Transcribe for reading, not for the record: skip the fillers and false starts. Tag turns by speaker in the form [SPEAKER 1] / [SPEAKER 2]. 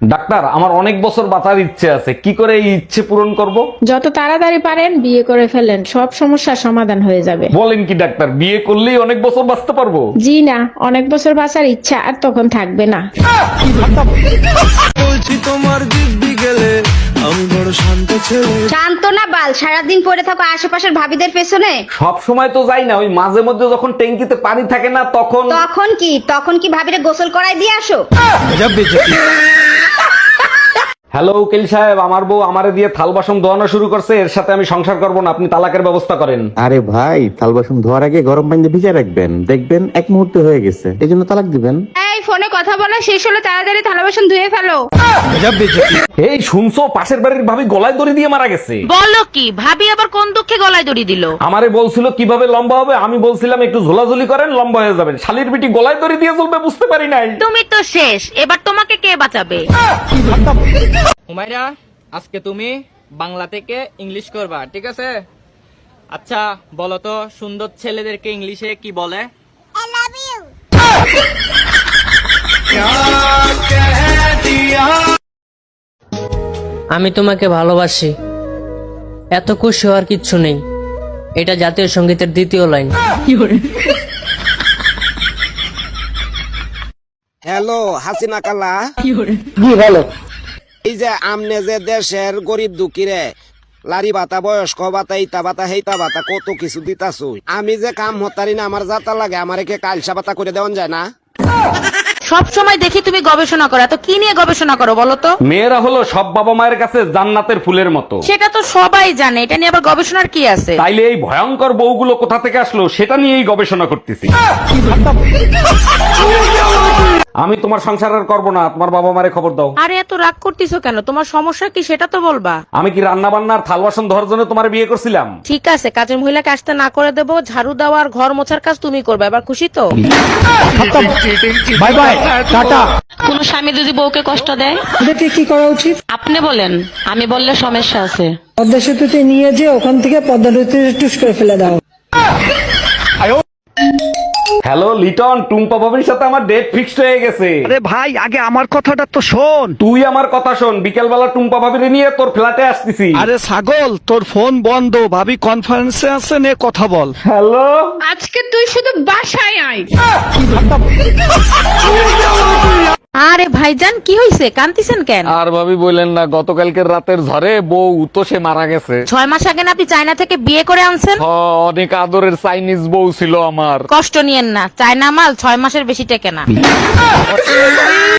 [SPEAKER 1] Doctor, আমার অনেক বছর বাঁচার ইচ্ছে আছে, কি করে এই ইচ্ছে পূরণ করব?
[SPEAKER 2] যত তাড়াতাড়ি পারেন বিয়ে করে ফেলেন, সব সমস্যার সমাধান হয়ে যাবে।
[SPEAKER 1] বলেন কি ডাক্তার, বিয়ে করলেই অনেক বছর বাঁচতে পারবো?
[SPEAKER 2] জি না, অনেক বছর বাঁচার ইচ্ছা আর তখন থাকবে না।
[SPEAKER 3] বলছি তোমার দিব্যি গেলে আমি বড় শান্ত ছেলে।
[SPEAKER 4] শান্ত না বাল, সারাদিন পড়ে থাকো আশেপাশের ভাবিদের পেছনে।
[SPEAKER 1] সব সময় তো যাই না, ওই মাঝে মধ্যে যখন ট্যাঙ্কিতে পানি থাকে না তখন।
[SPEAKER 4] তখন কি ভাবিরে গোসল করাই দিয়ে আসো?
[SPEAKER 1] হ্যালো উকিল সাহেব, আমার বউ আমারে দিয়ে থাল বাসন ধোয়ানো শুরু করছে, এর সাথে আমি সংসার করব না, আপনি তালাকের ব্যবস্থা করেন।
[SPEAKER 5] আরে ভাই, থাল বাসন ধোয়ার আগে গরম পানিতে ভিজিয়ে রাখবেন, দেখবেন এক মুহূর্তে হয়ে গেছে, এই জন্য তালাক দিবেন।
[SPEAKER 4] এই ফোনে কথা বলা শেষ হলো, তাড়াতাড়ি থালা বাসন ধুয়ে ফেলো।
[SPEAKER 1] এই শুনছো, পাশের বাড়ির ভাবি গলায় দড়ি দিয়ে মারা গেছে।
[SPEAKER 6] বলো কি? ভাবি আবার কোন দুঃখে গলায় দড়ি দিল?
[SPEAKER 1] আমারে বলছিল কিভাবে লম্বা হবে, আমি বলছিলাম একটু ঝোলাঝুলি করেন লম্বা হয়ে যাবেন, শালির বিটি গলায় দড়ি দিয়ে চলবে বুঝতে পারি নাই।
[SPEAKER 6] তুমি তো শেষ, এবার তোমাকে কে বাঁচাবে?
[SPEAKER 7] হুমায়রা, আজকে তুমি বাংলা থেকে ইংলিশ করবা, ঠিক আছে? আচ্ছা বলো তো, সুন্দর ছেলেদেরকে ইংলিশে কি বলে?
[SPEAKER 8] আমি তোমাকে ভালোবাসি, এত খুশি হওয়ার কিচ্ছু নেই। এটা জাতীয় সঙ্গীতের দ্বিতীয় লাইন।
[SPEAKER 9] হ্যালো হাসিনা কালা, এই যে আমনে যে দেশের গরিব দুঃখীরে লারি ভাতা, বয়স্ক ভাতা, ইতা ভাতা, হেইতা ভাতা, কত কিছু দিতাছু, আমি যে কাম হতারি না, আমার যাতা লাগে, আমার একে কালসা ভাতা করে দেওয়া যায় না?
[SPEAKER 6] সব সময় দেখি তুমি গবেষণা করো, এত কি নিয়ে গবেষণা করো বলো তো?
[SPEAKER 1] মেয়েরা হলো সব বাবা মায়ের কাছে জান্নাতের ফুলের মতো।
[SPEAKER 6] সেটা তো সবাই জানে, এটা নিয়ে আবার গবেষণার কি আছে?
[SPEAKER 1] তাইলে এই ভয়ঙ্কর বউগুলো কোথা থেকে আসলো সেটা নিয়েই গবেষণা করতেছি। আমি তোমার সংসার আর করবো না, তোমার বাবা মারে খবর দাও।
[SPEAKER 6] আরে এত রাগ করতেছো কেন? তোমার সমস্যা কি সেটা তো বলবা।
[SPEAKER 1] আমি কি রান্না বান্নার থাল বাসন ধরার জন্য তোমার বিয়ে করছিলাম?
[SPEAKER 6] ঠিক আছে, কাজের মহিলাকে আসতে না করে দেবো, ঝাড়ু দেওয়া আর ঘর মোছার কাজ তুমি করবে, এবার খুশি তো?
[SPEAKER 3] Bye bye, tata.
[SPEAKER 6] কোন স্বামী যদি বউকে কষ্ট দেয়,
[SPEAKER 10] এদেরকে কি করা উচিত?
[SPEAKER 6] আপনি বলেন, আমি বললে সমস্যা আছে।
[SPEAKER 10] পদ্মা সেতুতে নিয়ে যে ওখান থেকে পদ্মা নদীতে টুস করে ফেলে দাও।
[SPEAKER 1] হ্যালো লিটন, টুম্পা ভাবির সাথে আমার ডেট ফিক্সড হয়ে গেছে।
[SPEAKER 3] আরে ভাই, আগে আমার কথাটা তো শোন।
[SPEAKER 1] তুই আমার কথা শোন, বিকেল বেলা টুম্পা ভাবিরে নিয়ে তোর ফ্ল্যাটে আসতেছি।
[SPEAKER 3] আরে ছাগল, তোর ফোন বন্ধ, ভাবি কনফারেন্সে আছে, নে কথা বল।
[SPEAKER 1] হ্যালো,
[SPEAKER 2] আজকে তুই শুধু বাসায় আয়।
[SPEAKER 6] আরে ভাইজান, কি হইছে? কান্দিছেন কেন?
[SPEAKER 1] আর ভাবি বললেন না, গতকালকের রাতের ঝড়ে বউ তো সে মারা গেছে।
[SPEAKER 6] 6 মাস আগে না আপনি চায়না থেকে বিয়ে করে আনছেন?
[SPEAKER 1] অনেক আদরের চাইনিজ বউ ছিল আমার।
[SPEAKER 6] কষ্ট নিয়েন না, চায়না মাল 6 মাসের বেশি টেকে না।